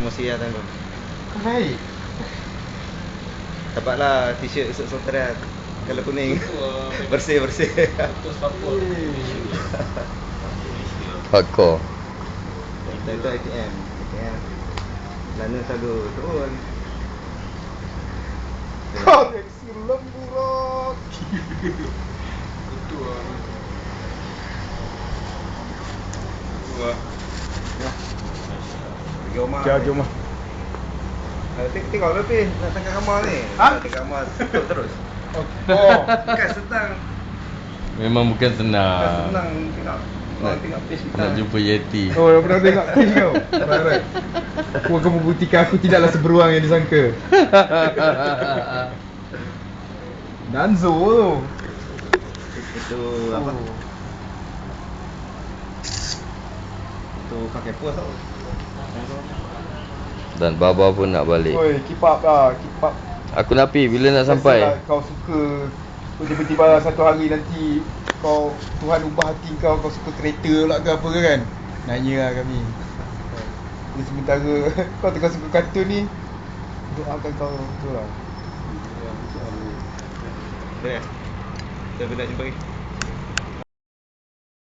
promosi lah tahun tu. Baik. Dapatlah t-shirt esok Sultan kalau kuning. Bersih-bersih. Hardcore. Itu ATM. Lana selalu turun. Koleksi lembu rock. Itu lah. Wah. Pergi rumah. Jom lah. Tengok lebih nak tengah kamar ni. Ha? Tengah kamar tutup terus. Oh. Bukan senang. Memang bukan Bukan senang. senang tengok page kita. Nak jumpa Yeti. Oh, yang pernah tengok page kau? Right. Aku akan membuktikan aku tidaklah seberuang yang disangka. Danzo tu. Itu apa? Itu pakai pos tau. Dan Baba pun nak balik. Oi, keep up lah, keep up. Aku nak pergi bila nak sampai. Biasalah kau suka tiba-tiba satu hari nanti kau Tuhan ubah hati kau suka kereta pula ke apa ke kan? Nanya lah kami. Jadi sementara kau tengah suka kartun ni, doakan kau betul lah. Boleh. Kita nak jumpa lagi.